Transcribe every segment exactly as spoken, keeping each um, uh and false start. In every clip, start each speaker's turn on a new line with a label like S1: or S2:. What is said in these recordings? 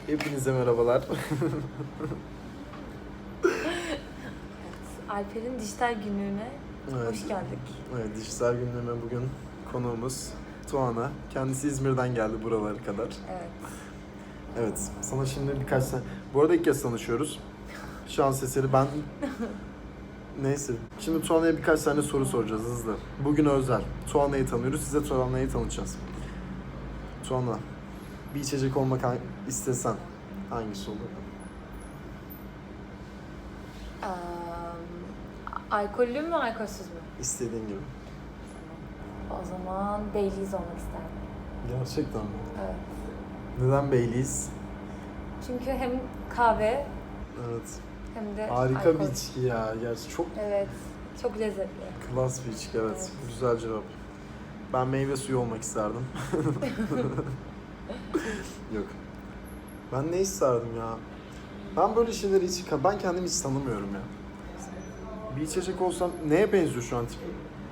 S1: Hepinize merhabalar.
S2: Alper'in dijital günlüğüne
S1: Evet.
S2: hoş geldik.
S1: Evet, dijital gündeme bugün konuğumuz Tuana. Kendisi İzmir'den geldi buralara kadar.
S2: Evet.
S1: Evet, sana şimdi birkaç tane... Bu arada ilk kez tanışıyoruz. Şans eseri ben... Neyse. Şimdi Tuana'ya birkaç tane soru soracağız hızlı. Bugün özel. Tuana'yı tanıyoruz, size Tuana'yı tanıtacağız. Tuana, bir içecek olmak istesen hangisi olur?
S2: Ee, alkollü mü, alkolsüz mü?
S1: İstediğin gibi.
S2: O zaman Baileys olmak isterdim.
S1: Gerçekten mi?
S2: Evet.
S1: Neden Baileys?
S2: Çünkü hem kahve
S1: Evet.
S2: hem de
S1: Harika
S2: alkol.
S1: bir içki ya. Gerçi çok
S2: Evet. Çok lezzetli.
S1: klas bir içki, evet.
S2: Evet.
S1: Güzel cevap. Ben meyve suyu olmak isterdim. Yok. Ben ne isterdim ya? Ben böyle şeyleri hiç... Ben kendimi hiç tanımıyorum ya. Bir içecek olsam... Neye benziyor şu an tipim?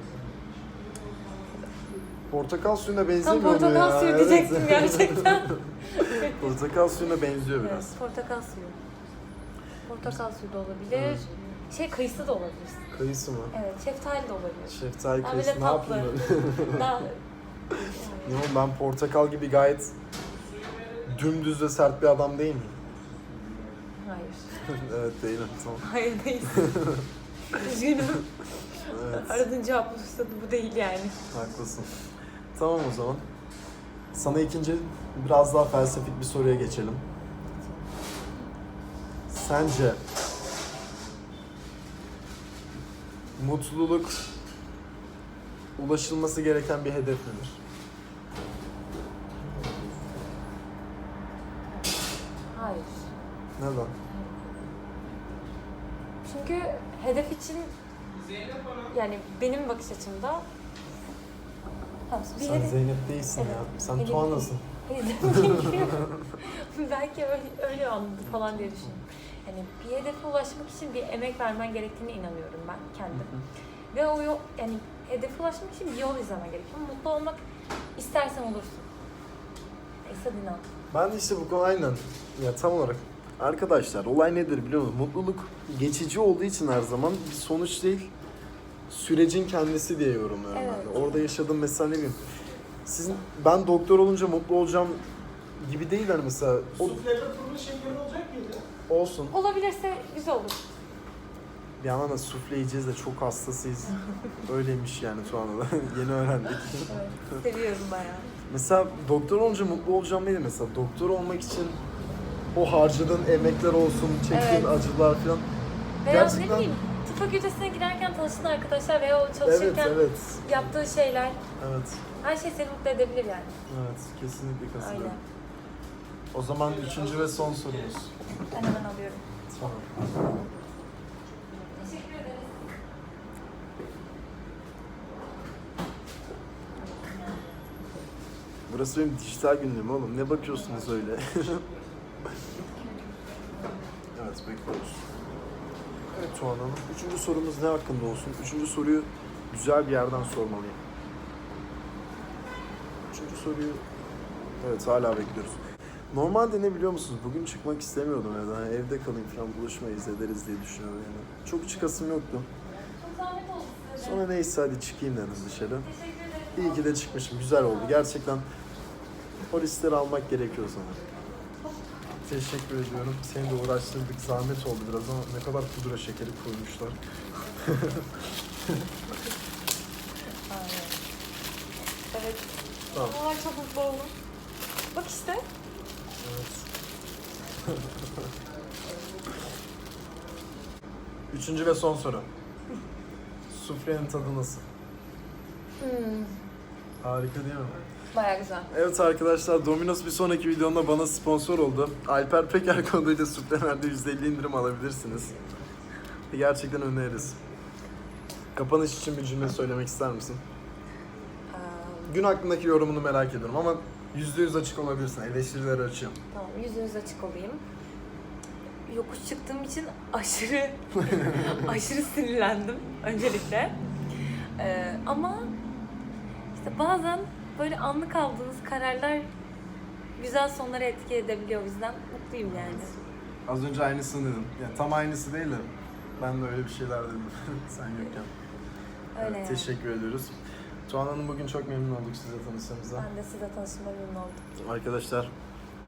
S1: Portakal suyuna
S2: Tam
S1: benzemiyor mu ya?
S2: portakal suyu
S1: Evet.
S2: diyecektim gerçekten.
S1: Portakal suyuna benziyor biraz.
S2: Evet, portakal suyu. Portakal suyu da olabilir. Şey, kayısı da olabilir.
S1: Kayısı mı?
S2: Evet, şeftali de olabilir.
S1: Şeftali
S2: Daha
S1: kayısı
S2: böyle
S1: ne
S2: tatlı.
S1: yapayım ben?
S2: Daha...
S1: Ne oğlum, ben portakal gibi gayet dümdüz ve sert bir adam değil miyim?
S2: Hayır.
S1: Evet, değilim, tamam.
S2: Hayır değil. Üzgünüm.
S1: Evet,
S2: Aradığın cevap fırsatı bu değil yani.
S1: haklısın. Tamam o zaman. Sana ikinci biraz daha felsefik bir soruya geçelim. Sence mutluluk ulaşılması gereken bir hedef midir?
S2: Hayır.
S1: Neden?
S2: Çünkü hedef için yani benim bakış açımda tamam, bir
S1: Sen
S2: hedef...
S1: Zeynep değilsin
S2: Evet,
S1: ya. Sen
S2: hedef-
S1: Tuana'sın.
S2: Belki öyle, öyle anladı falan diye düşünüyorum. Yani bir hedefe ulaşmak için bir emek vermen gerektiğine inanıyorum ben kendim. Ve o yol, yani hedefe ulaşmak için bir yol izlemen gerekiyor. Mutlu olmak istersen olursun. Esad inan.
S1: Ben de işte bu konu aynen. Ya tam olarak. Arkadaşlar olay nedir biliyor musunuz? Mutluluk geçici olduğu için her zaman bir sonuç değil, sürecin kendisi diye yorumluyorum
S2: Evet.
S1: ben de. Orada yaşadığım mesela ne bileyim. Sizin, ben doktor olunca mutlu olacağım gibi değil hani mesela. O,
S3: Suflede turnu şekerin olacak mıydı?
S1: olsun.
S2: Olabilirse güzel olur.
S1: Bir yandan da sufle yiyeceğiz de çok hastasıyız. Öyleymiş yani şu anda da. Yeni öğrendik.
S2: Evet, seviyorum bayağı.
S1: Mesela doktor olunca mutlu olacağım değil mesela. Doktor olmak için o harcadığın emekler olsun, çektiğin
S2: Evet.
S1: acılar falan.
S2: Veya
S1: Gerçekten-
S2: ne bileyim, tıp fakültesine girerken tanıştığın arkadaşlar veya o
S1: Evet,
S2: çalışırken
S1: evet.
S2: yaptığı şeyler,
S1: Evet.
S2: her şey seni mutlu edebilir yani.
S1: Evet, kesinlikle katılıyorum.
S2: Aynen.
S1: O zaman üçüncü ve son sorumuz.
S2: Ben hemen alıyorum.
S1: Tamam.
S2: Teşekkür ederiz.
S1: Burası benim dijital günlüğüm oğlum. Ne bakıyorsunuz öyle? Evet, bekliyoruz. Evet Tuğan Hanım. Üçüncü sorumuz ne hakkında olsun? Üçüncü soruyu güzel bir yerden sormalıyım. Üçüncü soruyu... Evet, hala bekliyoruz. Normalde ne biliyor musunuz? Bugün çıkmak istemiyordum evden. Yani evde kalayım falan, buluşmayız ederiz diye düşünüyorum yani. Çok çıkasım yoktu.
S2: Çok zahmet oldu size.
S1: Sonra neyse hadi çıkayım dedim dışarı.
S2: Teşekkür ederim.
S1: İyi ki de çıkmışım. Güzel oldu. Gerçekten o riskleri almak gerekiyor sana. Teşekkür ediyorum. Seni de uğraştırdık. Zahmet oldu biraz ama ne kadar pudra şekeri koymuşlar.
S2: Aynen. Evet.
S1: Tamam.
S2: Aa, çok mutlu oldum. Bak işte.
S1: Evet. Üçüncü ve son soru. Suflenin tadı nasıl?
S2: Hmm,
S1: Harika değil mi?
S2: bayağı güzel.
S1: Evet arkadaşlar, Domino's bir sonraki videomda bana sponsor oldu. Alper Peker koduyla suflelerde yüzde elli indirim alabilirsiniz. Gerçekten öneririz. Kapanış için bir cümle söylemek ister misin?
S2: Ee,
S1: Gün hakkındaki yorumunu merak ediyorum ama yüzde yüz açık olabilirsin. Eleştirileri açıyorum.
S2: tamam, yüzünüz açık olayım. Yokuş çıktığım için aşırı aşırı sinirlendim öncelikle. Ee, ama işte bazen böyle anlık aldığınız kararlar güzel sonlara etki edebiliyor. O yüzden mutluyum yani.
S1: Az önce aynısını dedim. Yani tam aynısı değil de ben de öyle bir şeyler dedim sen yokken.
S2: Öyle
S1: Evet,
S2: yani.
S1: teşekkür ediyoruz. Tuğan Hanım bugün çok memnun olduk size tanıştığımıza.
S2: Ben de size tanıştığıma memnun oldum.
S1: Arkadaşlar